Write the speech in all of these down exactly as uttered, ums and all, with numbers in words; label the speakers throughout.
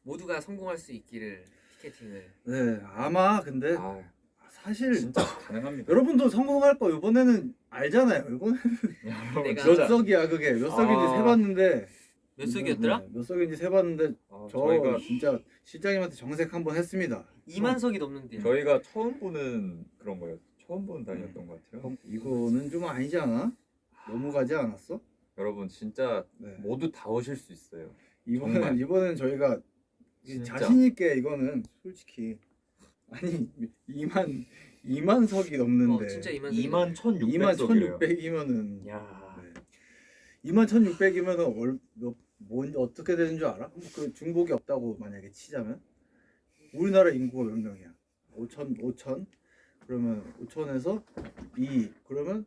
Speaker 1: 모두가 성공할 수 있기를 티켓팅을.
Speaker 2: 네, 아마 근데
Speaker 3: 아,
Speaker 2: 사실
Speaker 3: 진짜 가능합니다.
Speaker 2: 여러분도 성공할 거 이번에는 알잖아요. 이번에는
Speaker 1: 내가
Speaker 2: 몇 석이야 그게 몇 석인지
Speaker 3: 아.
Speaker 2: 세봤는데
Speaker 1: 몇 석이었더라?
Speaker 2: 네, 몇 석인지 세봤는데
Speaker 3: 아,
Speaker 2: 저
Speaker 3: 저희가
Speaker 2: 진짜 실장님한테 정색 한번 했습니다.
Speaker 1: 이만 석이 넘는데요.
Speaker 3: 저희가 처음 보는 그런 거예요. 처음 보는 단위였던 것 같아요.
Speaker 2: 어, 이거는 좀 아니지 않아? 너무 가지 않았어?
Speaker 3: 여러분 진짜
Speaker 2: 네.
Speaker 3: 모두 다 오실 수 있어요.
Speaker 2: 이번엔
Speaker 3: 정말.
Speaker 2: 이번엔 저희가
Speaker 3: 진짜.
Speaker 2: 자신 있게 이거는 솔직히 아니 이만 이만 석이 넘는데
Speaker 1: 어, 진짜 이만 석이
Speaker 3: 이만 천육백
Speaker 2: 이만
Speaker 3: 석이래요.
Speaker 2: 천육백이면은
Speaker 3: 야,
Speaker 2: 네. 이만 천육백이면은 얼, 몇, 뭔 어떻게 되는 줄 알아? 그 중복이 없다고 만약에 치자면 우리나라 인구가 몇 명이야? 오천 오천 그러면 오천에서 이 그러면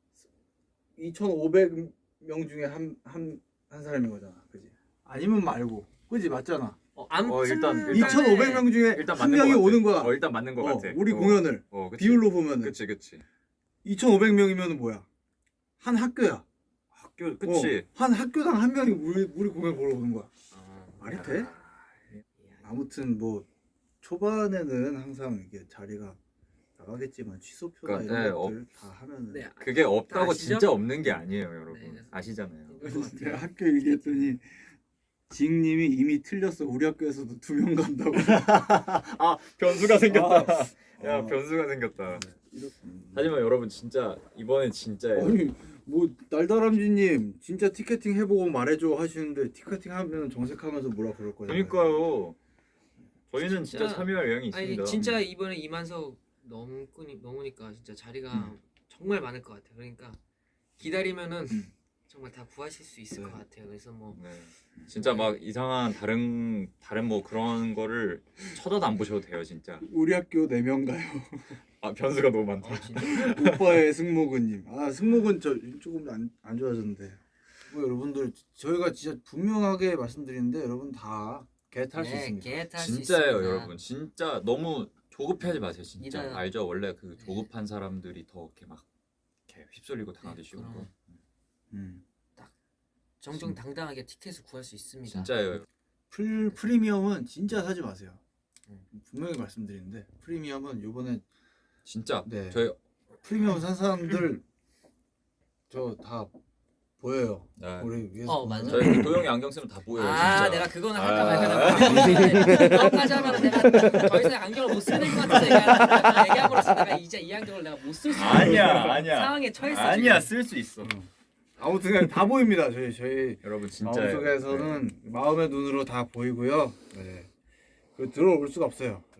Speaker 2: 이천오백 명 중에 한 한 한 사람인 거잖아, 그지? 아니면 말고, 그지 맞잖아.
Speaker 1: 어, 아무튼
Speaker 3: 어, 일단- 일단-
Speaker 2: 이천오백 명 중에
Speaker 3: 일단
Speaker 2: 한
Speaker 3: 맞는
Speaker 2: 명이
Speaker 3: 것 같아.
Speaker 2: 오는 거야.
Speaker 3: 어, 일단 맞는 것
Speaker 2: 어,
Speaker 3: 같아.
Speaker 2: 우리
Speaker 3: 어.
Speaker 2: 공연을
Speaker 3: 어, 그치.
Speaker 2: 비율로 보면은
Speaker 3: 그치, 그치.
Speaker 2: 이천오백 명이면 뭐야? 한 학교야.
Speaker 3: 학교, 그치.
Speaker 2: 어, 한 학교당 한 명이 우리 우리 공연 보러 오는 거야.
Speaker 1: 어,
Speaker 2: 말이 돼? 아무튼 뭐 초반에는 항상 이게 자리가 나가겠지만 취소표나
Speaker 3: 그러니까,
Speaker 2: 이런
Speaker 3: 네,
Speaker 2: 것들 다 하면은
Speaker 1: 네,
Speaker 3: 그게 없다고
Speaker 1: 아시죠?
Speaker 3: 진짜 없는 게 아니에요, 여러분.
Speaker 1: 네.
Speaker 3: 아시잖아요.
Speaker 2: 제가 학교 얘기했더니 지익님이 이미 틀렸어. 우리 학교에서도 두 명 간다고.
Speaker 3: 아, 변수가 생겼다. 야,
Speaker 2: 아.
Speaker 3: 변수가 생겼다.
Speaker 2: 네, 이렇게.
Speaker 3: 하지만 여러분 진짜 이번엔 진짜예요.
Speaker 2: 아니 뭐 날다람쥐님 진짜 티켓팅 해보고 말해줘 하시는데 티켓팅 하면 정색하면서 뭐라 그럴 거잖아요.
Speaker 3: 그러니까요. 저희는 진짜,
Speaker 1: 진짜-
Speaker 3: 참여할 의향이
Speaker 1: 아니
Speaker 3: 있습니다.
Speaker 1: 진짜 이번에 이만 석 넘고 넘으니까 진짜 자리가
Speaker 2: 음.
Speaker 1: 정말 많을 것 같아요. 그러니까 기다리면은
Speaker 2: 음.
Speaker 1: 정말 다 구하실 수 있을
Speaker 2: 네.
Speaker 1: 것 같아요. 그래서 뭐
Speaker 3: 네. 진짜 막 이상한 다른 다른 뭐 그런 거를 쳐다도 안 보셔도 돼요, 진짜.
Speaker 2: 우리 학교 네 명 가요.
Speaker 3: 아, 변수가 너무 많다.
Speaker 1: 어, 진짜
Speaker 2: 오빠의 승모근님. 아 승모근 저 조금 안, 안 좋아졌는데. 뭐 여러분들 저희가 진짜 분명하게 말씀드리는데 여러분 다 겟할 수
Speaker 1: 네,
Speaker 2: 있습니다.
Speaker 1: 겟할 수
Speaker 3: 진짜예요,
Speaker 1: 있습니다.
Speaker 3: 여러분. 진짜 너무 조급해하지 마세요, 진짜.
Speaker 1: 믿어요.
Speaker 3: 알죠? 원래 그
Speaker 1: 네.
Speaker 3: 조급한 사람들이 더 이렇게 막 이렇게 휩쓸리고 당하기
Speaker 1: 네,
Speaker 3: 쉬운 거.
Speaker 1: 그럼.
Speaker 2: 음.
Speaker 1: 정정당당하게 티켓을 구할 수 있습니다.
Speaker 3: 진짜예요.
Speaker 2: 풀 프리미엄은 진짜 사지 마세요.
Speaker 1: 음.
Speaker 2: 분명히 말씀드리는데 프리미엄은 요번에
Speaker 3: 진짜.
Speaker 2: 네.
Speaker 3: 저희
Speaker 2: 프리미엄 산 사람들 저 다 보여요.
Speaker 3: 네.
Speaker 2: 우리 위에서
Speaker 1: 어,
Speaker 2: 보면은.
Speaker 1: 맞아.
Speaker 3: 저희 그 도영이 안경 쓰면 다 보여요,
Speaker 1: 아,
Speaker 3: 진짜.
Speaker 1: 내가 그거는
Speaker 3: 아.
Speaker 1: 할까 말까 고민했는데 그거까지 하면 내가 더 이상 안경을 못 쓰는 것 같아서 내가 얘기함으로써 내가 이제 이 안경을 내가 못 쓸 수 있는
Speaker 3: 아니야, 아니야.
Speaker 1: 상황에 처했어.
Speaker 3: 아니야,
Speaker 1: 지금.
Speaker 3: 쓸 수 있어.
Speaker 2: 아무튼 그냥 다 보입니다. 저희 저희
Speaker 3: 여러분 진짜.
Speaker 2: 마음속에서는 마음의 눈으로 다 보이고요. 네. 그 들어올 수가 없어요.